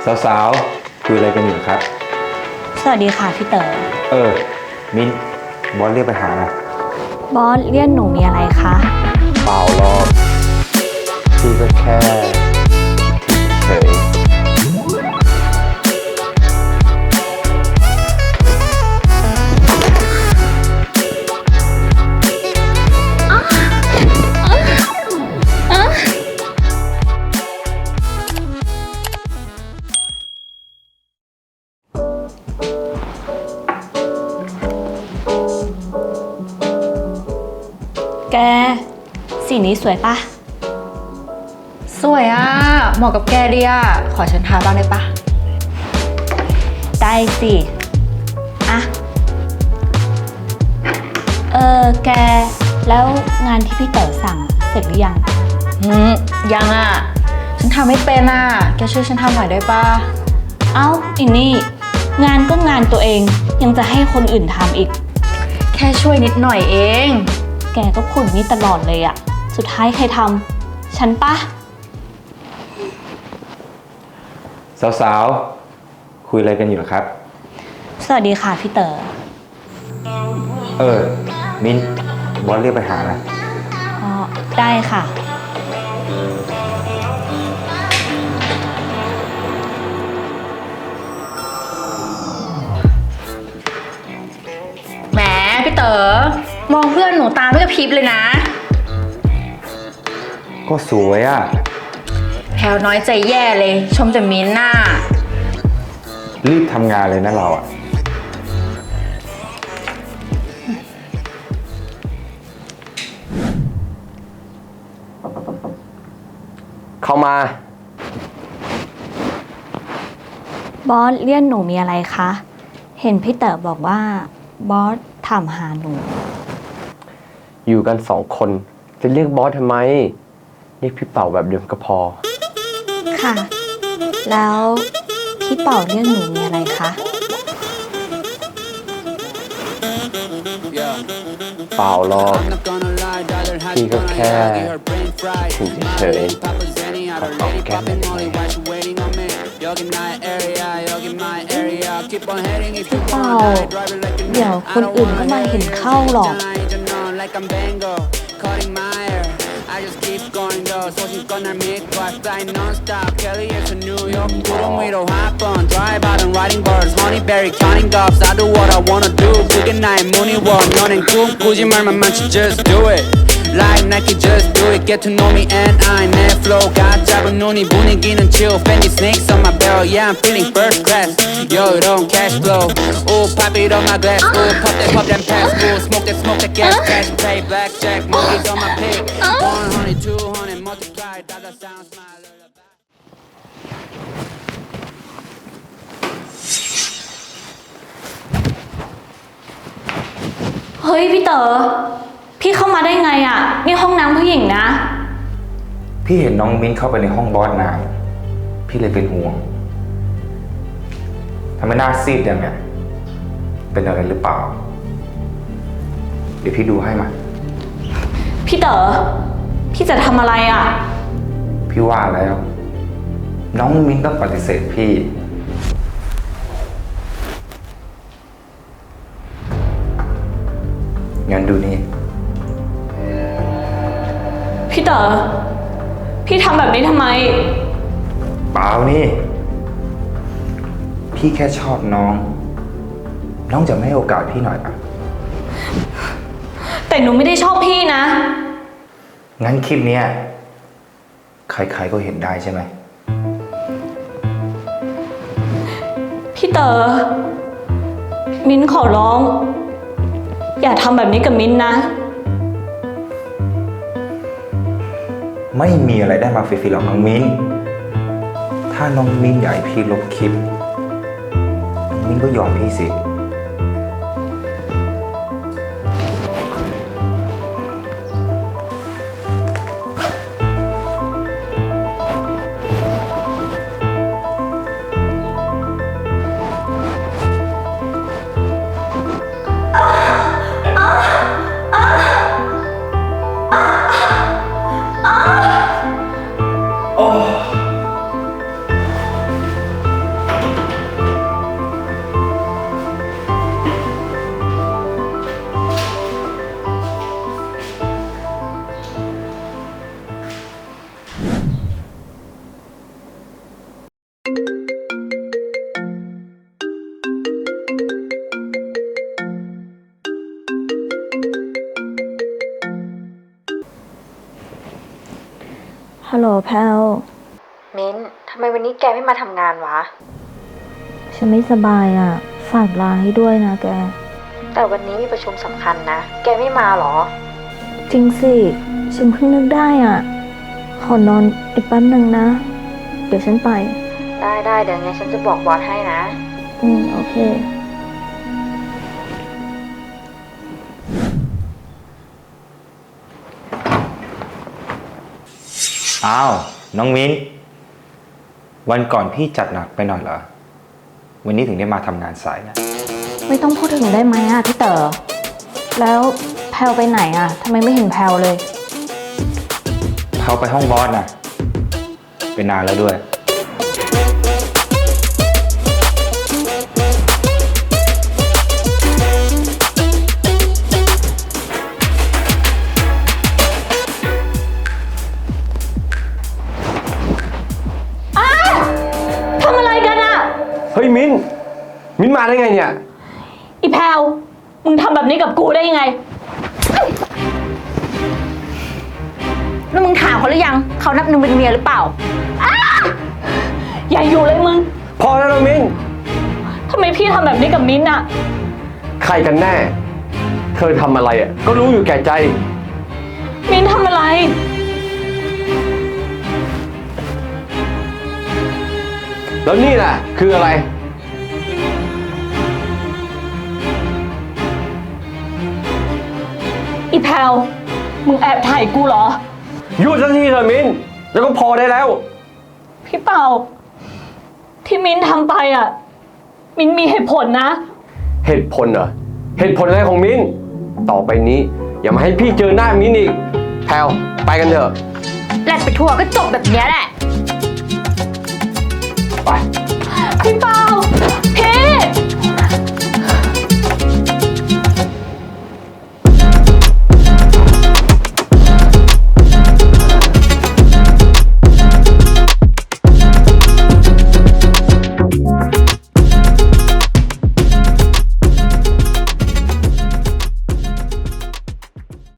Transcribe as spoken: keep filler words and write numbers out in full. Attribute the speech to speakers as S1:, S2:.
S1: สาวๆคุยอะไรกันอยู่ครับ
S2: สวัสดีค่ะพี่เต๋อ
S1: เออมิ้นบอสเรียกไปหานะ
S2: บอสเรียกหนูมีอะไรคะ
S1: เปล่าหรอกพี่ก็แค่เฉย
S2: แกสีนี้สวยปะ
S3: สวยอ่ะเหมาะกับแกดีอ่ะขอฉันทาบ้างได้ปะ
S2: ได้สิอะเออแกแล้วงานที่พี่เต๋อสั่งเสร็จหรือยัง
S3: หืมยังอ่ะฉันทำไม่เป็นอ่ะแกช่วยฉันทำหน่อยได้ปะ
S2: เอ้าอีนี่งานก็งานตัวเองยังจะให้คนอื่นทำอีก
S3: แค่ช่วยนิดหน่อยเอง
S2: แกก็พูดนี้ตลอดเลยอะสุดท้ายใครทำฉันปะ
S1: สาวๆคุยอะไรกันอยู่ครับ
S2: สวัสดีค่ะพี่เต๋อ
S1: เออมิ้นบอสเรียกไปหานะ
S2: อ๋อได้ค่ะ
S3: แหมพี่เต๋อมองเพื่อนหนูตาไม่กระพริบเลยนะ
S1: ก็สวยอ่ะ
S3: แพลวน้อยใจแย่เลยชมแต่มิ้นหน้า
S1: รีบทำงานเลยนะเราอ่ะเข้ามา
S2: บอสเรียกหนูมีอะไรคะเห็นพี่เต๋อบอกว่าบอสถามหาหนู
S1: อยู่กันสองคนจะเรียกบอสทำไมเรียกพี่เป่าแบบเดิมก็พอ
S2: ค่ะแล้วพี่เป่าเรียกหนูมีอะไรคะ
S1: เปล่าหรอกพี่ก็แค่ถึงเฉยๆขอตอบแก้มได้ไหม
S2: พี่เป่าเดี๋ยวคนอื่นก็มาเห็นเข้าหรอก
S4: I just keep going though 소신껏 날 믿고 I fly non-stop California to New York 구름 위로 hop on Drive out and writing bars Honeyberry counting gobs I do what I wanna do 그게 나의 무늬 원 연행 꿈 꾸지 말만 많지 just do it Like Nike just do it Get to know me and I 내 flow 가 짧은 눈이 분위기는 chill Fendi snakes on my belt Yeah I'm feeling first class Yo it don't cash flow Ooh pop it on my glass Ooh pop that pop that pass Ooh smoke that smoke that gas Cash play blackjack Monkeys on my pig one hundred two hundred multiply Dollar sound smile
S2: เฮ้ยพี่เต๋อพี่เข้ามาได้ไงอ่ะนี่ห้องน้ำผู้หญิงนะ
S1: พี่เห็นน้องมิ้นเข้าไปในห้องบอสนานพี่เลยเป็นห่วงทำไมหน้าซีดอย่างเนี้ยเป็นอะไรหรือเปล่าเดี๋ยวพี่ดูให้มา
S2: พี่เต๋อพี่จะทำอะไรอ่ะ
S1: พี่ว่าแล้วน้องมิ้นต้องปฏิเสธพี่งั้นดูนี่
S2: พี่เต๋อพี่ทำแบบนี้ทำไม
S1: เปล่านี่พี่แค่ชอบน้องน้องจะไม่ให้โอกาสพี่หน่อยอ่ะ
S2: แต่หนูไม่ได้ชอบพี่นะ
S1: งั้นคลิปนี้ใครๆก็เห็นได้ใช่ไหม
S2: พี่เต๋อมิ้นขอร้องอย่าทำแบบนี้กับมิ้นนะ
S1: ไม่มีอะไรได้มาฟรีๆหรอกน้องมิ้นถ้าน้องมิ้นอยากให้พี่ลบคลิปน้องมิ้นก็ยอมพี่สิ
S2: ฮัลโหลแพลว
S3: มิ้นทำไมวันนี้แกไม่มาทำงานวะ
S2: ฉันไม่สบายอ่ะ ฝากลาให้ด้วยนะแก
S3: แต่วันนี้มีประชุมสำคัญนะ แกไม่มาหรอ
S2: จริงสิ ฉันเพิ่งนึกได้อ่ะ ขอนอนอีกแป๊บหนึ่งนะ เดี๋ยวฉันไป
S3: ได้ได้เดี๋ยวไงฉันจะบอกบอสให้นะ
S2: อืม โอเค
S1: อ้าว น้องมิ้น วันก่อนพี่จัดหนักไปหน่อยเหรอ วันนี้ถึงได้มาทำงานสายนะ
S2: ไม่ต้องพูดถึงได้ไหมอ่ะพี่เต๋อ แล้วแพลวไปไหนอ่ะทำไมไม่เห็นแพลวเลย
S1: เขาไปห้องบอสนะเป็นนานแล้วด้วย
S2: ทำอะไรกันอ่ะ
S5: เฮ้ยมิ้น มิ้นมาได้ไงเนี่ย
S2: อีแพลวมึงทำแบบนี้กับกูได้ยังไง
S3: แล้วมึงถามเขาหรือยัง เขานับหนึ่งเป็นเมียหรือเปล่า
S2: อย่าอยู่เลยมึง
S5: พอแล้วน้องมิ้น
S2: ทำไมพี่ทำแบบนี้กับมิ้นท์อ่ะ
S5: ใครกันแน่ เธอทำอะไรอ่ะ ก็รู้อยู่แก่ใจ
S2: มิ้นท์ทำอะไร
S5: แล้วนี่ล่ะ คืออะไร
S2: อีแพลวมึงแอบถ่ายกูเหรอ
S5: หยุดสักทีเถอะมิ้น แล้วก็พอได้แล้ว
S2: พี่เป่า ที่มิ้นท์ทำไปอ่ะ มิ้นท์มีเหตุผลนะ
S5: เหตุผลเหรอ เหตุผลอะไรของมิ้น ต่อไปนี้ อย่ามาให้พี่เจอหน้ามิ้นอีก แพลวไปกันเถอะ
S3: แลดไปทั่วก็จบแบบเนี้ยแหละ
S5: ไป